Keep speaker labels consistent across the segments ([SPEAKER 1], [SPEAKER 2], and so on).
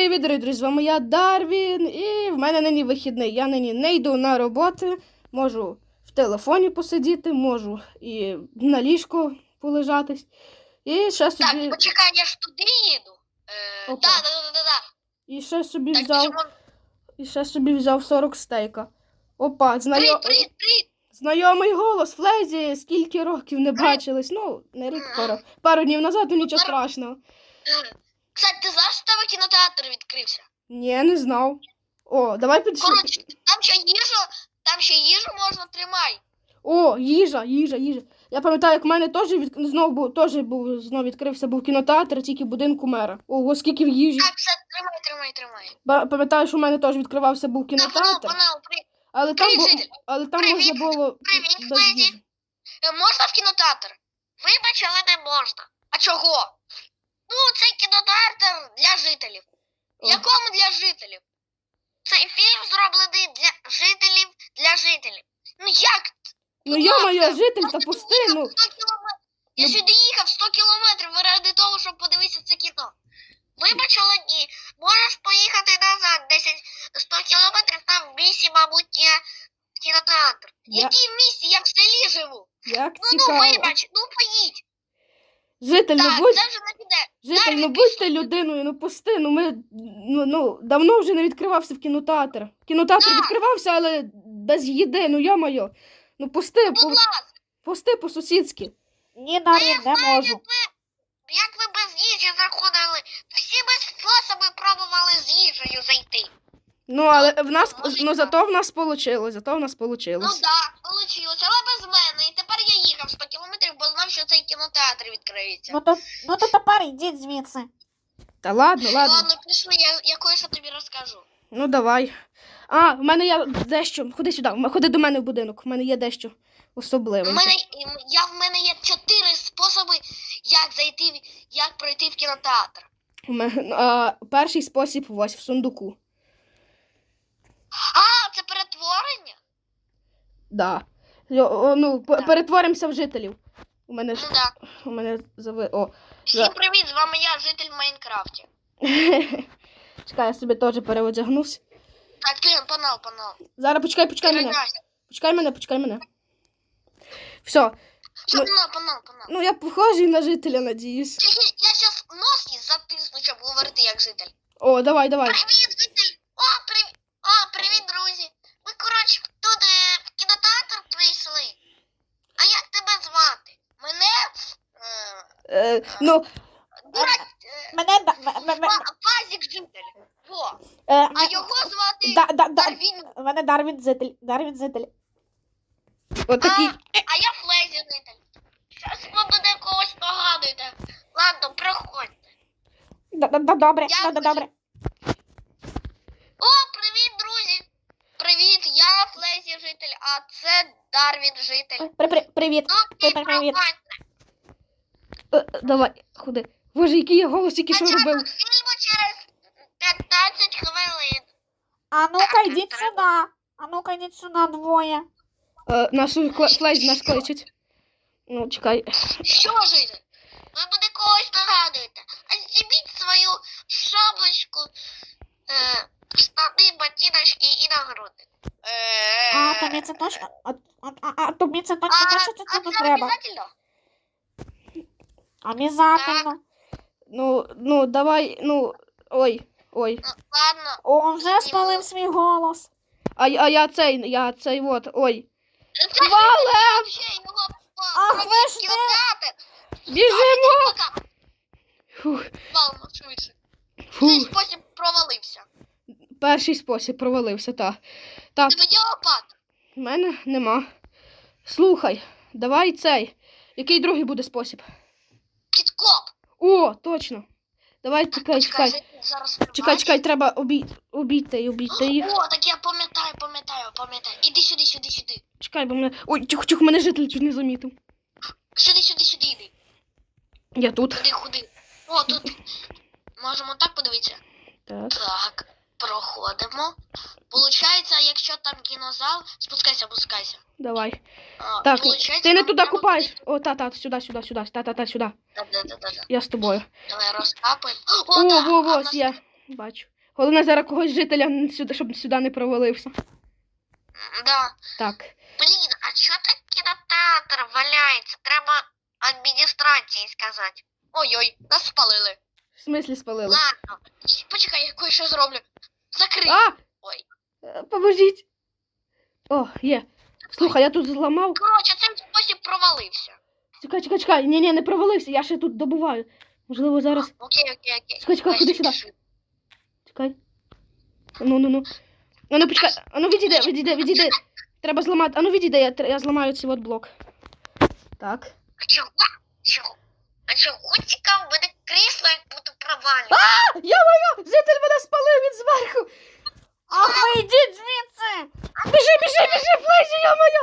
[SPEAKER 1] Привіт, друзі, з вами я, Дарвін, і в мене нині вихідний. Я нині не йду на роботу, можу в телефоні посидіти, можу і на ліжку полежатись. І ще собі...
[SPEAKER 2] Так, почекай, я ж туди їду.
[SPEAKER 1] Опа.
[SPEAKER 2] Да.
[SPEAKER 1] І ще собі
[SPEAKER 2] Так,
[SPEAKER 1] взяв...
[SPEAKER 2] чому?
[SPEAKER 1] І ще собі взяв 40 стейка. Опа,
[SPEAKER 2] Привіт.
[SPEAKER 1] знайомий голос, Флезі, скільки років не бачились. Ну, не рік, пару днів назад, ну нічого страшного.
[SPEAKER 2] Кстати, ти знаєш, що в тебе кінотеатр відкрився?
[SPEAKER 1] Ні, не знав. О, давай підійшли.
[SPEAKER 2] Коротше, там ще їжу можна тримай.
[SPEAKER 1] О, їжа. Я пам'ятаю, як в мене теж знову відкрився був кінотеатр, тільки в будинку мера. Ого, скільки в їжі.
[SPEAKER 2] Так, все, тримай.
[SPEAKER 1] Пам'ятаю, що в мене теж відкривався був кінотеатр, але там можна було
[SPEAKER 2] Привіт,
[SPEAKER 1] без
[SPEAKER 2] Флезі.
[SPEAKER 1] їжі.
[SPEAKER 2] Можна в кінотеатр? Вибач, але не можна. А чого? Ну, це кінотеатр для жителів.
[SPEAKER 1] О.
[SPEAKER 2] Якому для жителів? Цей фільм зроблений для жителів. Ну як?
[SPEAKER 1] Ну йо-моє, житель, та пусти, ну.
[SPEAKER 2] Я сюди їхав 100 кілометрів ради того, щоб подивитися це кіно. Вибач, але ні. Можеш поїхати назад 100 кілометрів, там в місті, мабуть, є кінотеатр. Який в місті? Я в селі живу.
[SPEAKER 1] Як
[SPEAKER 2] Ну,
[SPEAKER 1] цікаво.
[SPEAKER 2] вибач, поїдь.
[SPEAKER 1] Житель,
[SPEAKER 2] Так,
[SPEAKER 1] ну будь...
[SPEAKER 2] це вже не піде.
[SPEAKER 1] Житель, ну
[SPEAKER 2] Дарвін,
[SPEAKER 1] будьте людиною, ну пусти, ну ми, давно вже не відкривався в кінотеатр. Кінотеатр
[SPEAKER 2] Так.
[SPEAKER 1] відкривався, але без їди, ну йо-моє. Ну
[SPEAKER 2] Будь ласка.
[SPEAKER 1] пусти по-сусідськи.
[SPEAKER 3] Ні, Дарвін, не можу.
[SPEAKER 2] Як ви без їжі заходили? Всі ми способи пробували з їжею зайти.
[SPEAKER 1] Ну, але в нас,
[SPEAKER 2] Ну,
[SPEAKER 1] зато в нас получилось,
[SPEAKER 2] Ну так, вийшло, але без мене. І тепер я їхав 100 кілометрів, бо знав, що цей кінотеатр відкриється.
[SPEAKER 3] Ну то тепер йдіть звідси.
[SPEAKER 1] Та ладно.
[SPEAKER 2] Ладно, пішли, я кое-що тобі розкажу.
[SPEAKER 1] Ну, давай. В мене є дещо, ходи сюди, ходи до мене в будинок, в мене є дещо особливе.
[SPEAKER 2] В мене є 4 способи, як пройти в кінотеатр.
[SPEAKER 1] Перший спосіб ось в сундуку.
[SPEAKER 2] А, це перетворення?
[SPEAKER 1] Да. Перетворимося в жителів. У мене
[SPEAKER 2] Всім привіт, з вами я, житель в Майнкрафті.
[SPEAKER 1] Чекай, я собі теж переодягнусь.
[SPEAKER 2] Так, Лен, панал.
[SPEAKER 1] Зараз почекай мене. Почекай мене. Все.
[SPEAKER 2] Що, панал.
[SPEAKER 1] Ну, я похожий на жителя, надіюсь.
[SPEAKER 2] Я зараз нос затисну, щоб говорити як житель.
[SPEAKER 1] О, давай.
[SPEAKER 2] Привіт, житель! Привіт, друзі! Ми, коротше, тут в кінотеатр прийшли. А як тебе звати? Мене... Фазік житель. Во. А його звати Дарвін.
[SPEAKER 3] Мене Дарвін житель.
[SPEAKER 1] Отакий.
[SPEAKER 2] А я Флезі житель. Зараз ви мене когось нагадуєте. Ладно, проходьте.
[SPEAKER 3] Добре.
[SPEAKER 2] О, привіт, друзі! Привіт, я Флезі житель, а це Дарвін житель.
[SPEAKER 3] Привіт.
[SPEAKER 2] Ну,
[SPEAKER 3] Привіт.
[SPEAKER 1] Давай, ходи. Боже, який я голос, який що робив.
[SPEAKER 2] Початок фільму через 15 хвилин.
[SPEAKER 3] А ну-ка йдіть сюди, двоє.
[SPEAKER 1] Нашу Флезі нас кличуть. Ну, чекай.
[SPEAKER 2] Що житель? Ви мене когось нагадуєте. А зніміть свою шапочку, штани, ботиночки і нагрудник.
[SPEAKER 3] Тобі це точно, тобі це точно
[SPEAKER 2] А
[SPEAKER 3] не
[SPEAKER 2] це
[SPEAKER 3] треба.
[SPEAKER 2] обов'язково?
[SPEAKER 3] Обязательно.
[SPEAKER 1] Ну, давай, ой.
[SPEAKER 2] Ну, ладно.
[SPEAKER 3] О, вже спалив свій голос.
[SPEAKER 1] А я цей, ой.
[SPEAKER 2] Це
[SPEAKER 1] Валем!
[SPEAKER 2] ще його
[SPEAKER 3] Ах, ви ж не-
[SPEAKER 2] кінотеатр.
[SPEAKER 1] Біжимо!
[SPEAKER 2] Пока.
[SPEAKER 1] Фух.
[SPEAKER 2] Валимо швидше. Цей
[SPEAKER 1] Фух.
[SPEAKER 2] спосіб провалився.
[SPEAKER 1] Перший спосіб провалився, так.
[SPEAKER 2] Тебе є лопата?
[SPEAKER 1] В мене нема. Слухай, давай цей. Який другий буде спосіб?
[SPEAKER 2] Підкоп.
[SPEAKER 1] О, точно. Давай, чекай.
[SPEAKER 2] Зараз
[SPEAKER 1] Чекай, треба обійти їх.
[SPEAKER 2] О, так я пам'ятаю. Іди сюди.
[SPEAKER 1] Чекай, бо мене... Ой, тихо, мене житель чуть не замітив.
[SPEAKER 2] Сюди йди.
[SPEAKER 1] Я тут.
[SPEAKER 2] Ходи. О, тут. Можемо так подивитися?
[SPEAKER 1] Так.
[SPEAKER 2] Так, проходимо. Получається, якщо там кінозал, спускайся.
[SPEAKER 1] Давай. Так,
[SPEAKER 2] Получається,
[SPEAKER 1] ти не
[SPEAKER 2] нам
[SPEAKER 1] туди
[SPEAKER 2] треба
[SPEAKER 1] купаєш.
[SPEAKER 2] буде-
[SPEAKER 1] О, сюди. Сюди.
[SPEAKER 2] Да.
[SPEAKER 1] Я з тобою.
[SPEAKER 2] Давай розкапаємо.
[SPEAKER 1] О,
[SPEAKER 2] так, а в
[SPEAKER 1] ось
[SPEAKER 2] нас-
[SPEAKER 1] є. Бачу. Головне зараз когось жителя сюди, щоб сюди не провалився.
[SPEAKER 2] Да.
[SPEAKER 1] Так.
[SPEAKER 2] Блін, а чого так кінотеатр валяється? Треба адміністрації сказати. Ой-ой, нас спалили.
[SPEAKER 1] В смислі спалили?
[SPEAKER 2] Ладно, почекай, я кое-що зроблю. Закрий.
[SPEAKER 1] А!
[SPEAKER 2] Ой.
[SPEAKER 1] Поможіть. О, є. Слухай, я тут зламав.
[SPEAKER 2] Коротше, цей спосіб провалився.
[SPEAKER 1] Чекай. Ні, не провалився, я ще тут добуваю. Можливо, зараз.
[SPEAKER 2] Окей.
[SPEAKER 1] Чекай, ходи сюди. Чекай. Ну. Ану, почекай. Ану, відійди. Треба зламати. Ану, відійди, я зламаю цей от блок. Так.
[SPEAKER 2] А чого? А чого цікаво, мене крісло як буду провалювати?
[SPEAKER 1] Я-моє! Житель мене спалив від зверху!
[SPEAKER 3] Ах, ви йдіть звідси!
[SPEAKER 1] Біжи, Флейзі, я-моє!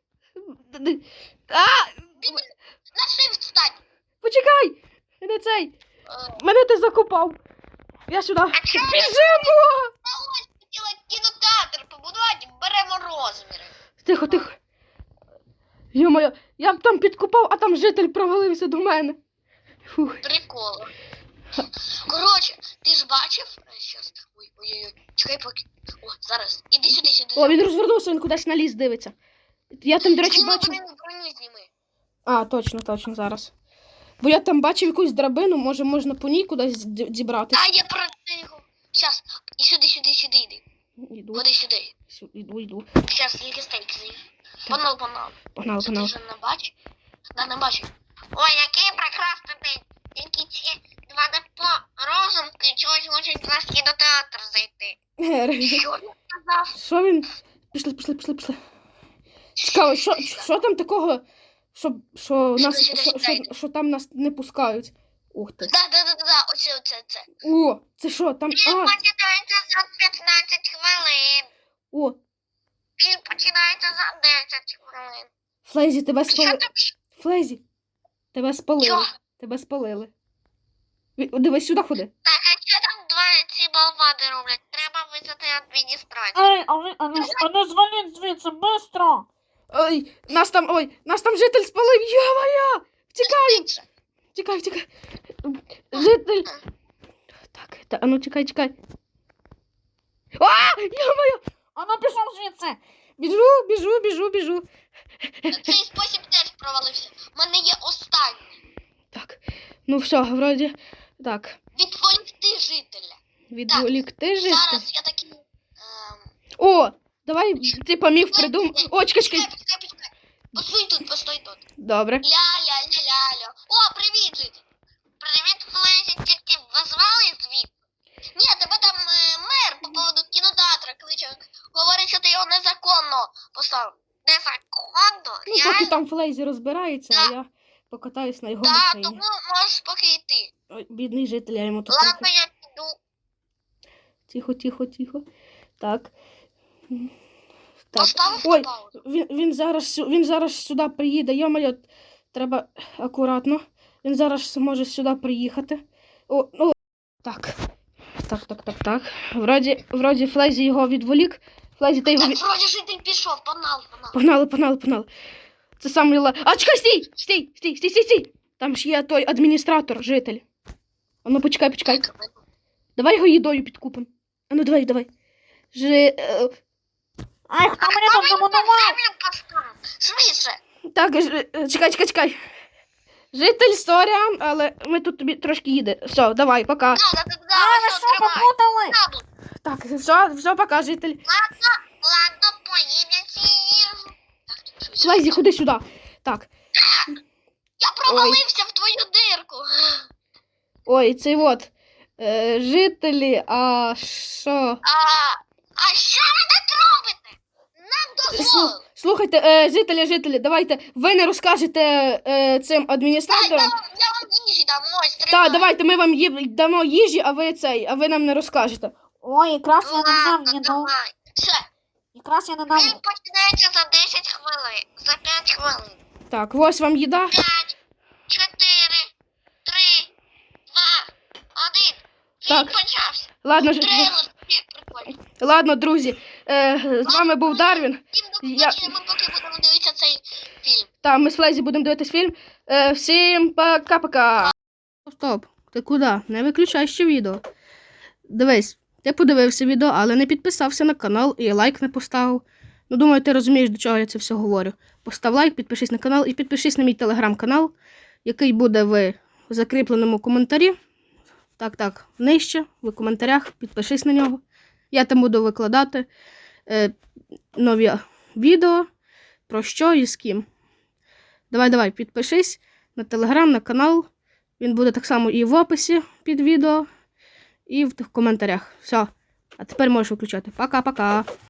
[SPEAKER 2] На shift встань.
[SPEAKER 1] Почекай! Не цей!
[SPEAKER 2] Е,
[SPEAKER 1] Мене ти закопав! Я сюди!
[SPEAKER 2] А чого ви
[SPEAKER 1] Біжимо!
[SPEAKER 2] ось хотіла кінотеатр побудувати, беремо розміри.
[SPEAKER 1] Тихо. Йо-моє, я б там підкопав, а там житель провалився до мене. Фух.
[SPEAKER 2] Прикол. Коротше, ти ж бачив? Щас. Ой. Чекай поки. О, зараз. Іди сюди.
[SPEAKER 1] О, він розвернувся, він кудись на ліс дивиться. Я там, до речі,
[SPEAKER 2] Зніми
[SPEAKER 1] бачив.
[SPEAKER 2] броню зніми.
[SPEAKER 1] А, точно, зараз. Бо я там бачив якусь драбину, може можна по ній кудись дібратися.
[SPEAKER 2] А, я про це його. Щас. І сюди йди.
[SPEAKER 1] Іду.
[SPEAKER 2] Ходи сюди.
[SPEAKER 1] Іду.
[SPEAKER 2] Щас, тільки стейк з'їв.
[SPEAKER 1] Так.
[SPEAKER 2] Погнали. Це ти
[SPEAKER 1] Погнали.
[SPEAKER 2] вже не бачиш? Да, не бачу. Ой, який прекрасний день. Тільки ці два депо розумки чогось хочуть в наш кінотеатр зайти. Що він сказав?
[SPEAKER 1] Що він? Пішли. Цікаво, що там такого, що там нас не пускають? Ух ти.
[SPEAKER 2] Да. Оце.
[SPEAKER 1] О, це що? Там.
[SPEAKER 2] Фільм починається за 15 хвилин.
[SPEAKER 1] О,
[SPEAKER 2] Фільм починається за 10 хвилин.
[SPEAKER 1] Флейзі, тебе
[SPEAKER 2] Що
[SPEAKER 1] спалили.
[SPEAKER 2] там?
[SPEAKER 1] Флейзі, тебе спалили.
[SPEAKER 2] Що?
[SPEAKER 1] Тебе спалили. Дивись, сюди ходи.
[SPEAKER 2] Так, а що там два ці болвани роблять? Треба визвати адміністрацію.
[SPEAKER 3] Ей, а ну зваліть звідси, бистро!
[SPEAKER 1] Нас там житель спалив. Йо-моє! Тікай. Житель. Так, а ну чекай. А, йо-моє!
[SPEAKER 3] А ну пішов звідси!
[SPEAKER 1] Біжу.
[SPEAKER 2] Цей спосіб теж провалився. У мене є останній.
[SPEAKER 1] Так, ну все, вроді, так,
[SPEAKER 2] Відволікти жителя.
[SPEAKER 1] відволікти житель.
[SPEAKER 2] Зараз я такий...
[SPEAKER 1] О, давай, ти поміг придумав. О, чекай.
[SPEAKER 2] Почекай. Постой тут.
[SPEAKER 1] Добре.
[SPEAKER 2] Ля-ля-ля-ля-ля. О, привіт, житель. Привіт, Флейзі, тільки назвали звідти? Ні, тебе там мер по поводу кінотеатра кличе. Говорить, що ти його незаконно поставив. Незаконно?
[SPEAKER 1] Ну, поки там Флейзі розбирається, а я покатаюсь на його
[SPEAKER 2] Так,
[SPEAKER 1] машині.
[SPEAKER 2] тому можеш поки йти.
[SPEAKER 1] Ой, бідний житель, я йому тут
[SPEAKER 2] Ладно,
[SPEAKER 1] трохи.
[SPEAKER 2] я піду.
[SPEAKER 1] Тихо. Так.
[SPEAKER 2] Поставив
[SPEAKER 1] Ой,
[SPEAKER 2] на паузу.
[SPEAKER 1] він зараз сюди приїде. Йо-моє, треба акуратно. Він зараз може сюди приїхати. О, так. Вроді Флейзі його відволік. Флейзі, ти його
[SPEAKER 2] Так, вроді житель пішов, погнали.
[SPEAKER 1] Погнали. Це самий А, чекай, стій! Там ж є той адміністратор, житель. А ну, почекай. Давай його їдою підкупимо. А ну, давай.
[SPEAKER 3] Ай, хто мені тут замонував?
[SPEAKER 2] Швидше.
[SPEAKER 1] Так, чекай. Житель, сорян, але ми тут тобі трошки їде. Все, давай, пока.
[SPEAKER 2] Да,
[SPEAKER 3] А, ви
[SPEAKER 2] все,
[SPEAKER 3] що,
[SPEAKER 2] тримай.
[SPEAKER 3] попутали?
[SPEAKER 1] Так, все, пока, житель.
[SPEAKER 2] Ладно, поїм я ці їжу. Так,
[SPEAKER 1] Флейзі, ходи сюди. Так.
[SPEAKER 2] Я провалився в твою дирку.
[SPEAKER 1] Ой, цей от. Жителі, а що?
[SPEAKER 2] А що ви так робите? Нам дозволили.
[SPEAKER 1] Слухайте, жителі, давайте, ви не розкажете цим
[SPEAKER 2] Я
[SPEAKER 1] адміністраторам.
[SPEAKER 2] вам їжі дам, ось, тримай.
[SPEAKER 1] Так, давайте, ми вам дамо їжі, а ви нам не розкажете.
[SPEAKER 3] Ой, якраз я не дав
[SPEAKER 2] Ладно,
[SPEAKER 3] їду.
[SPEAKER 2] давай. Все,
[SPEAKER 3] Якраз я не дав.
[SPEAKER 2] фільм починається за 10 хвилин, за 5 хвилин.
[SPEAKER 1] Так, ось вам їда.
[SPEAKER 2] 5, 4, 3, 2, 1. Фільм
[SPEAKER 1] Так.
[SPEAKER 2] почався.
[SPEAKER 1] Ладно,
[SPEAKER 2] Трейлер, прикольно.
[SPEAKER 1] ладно, друзі, з вами був Дарвін.
[SPEAKER 2] Всім до побачення, ми поки будемо дивитися цей фільм.
[SPEAKER 1] Та ми з Флейзі будемо дивитись фільм. Всім пока-пока. Стоп, ти куди? Не виключай ще відео. Дивись, Ти подивився відео, але не підписався на канал і лайк не поставив. Ну, думаю, ти розумієш, до чого я це все говорю. Постав лайк, підпишись на канал і підпишись на мій телеграм-канал, який буде в закріпленому коментарі. Так, нижче, в коментарях, підпишись на нього. Я там буду викладати нові відео, про що і з ким. Давай, підпишись на телеграм, на канал. Він буде так само і в описі під відео, і в коментарях. Все. А тепер можеш виключати. Пока-пока.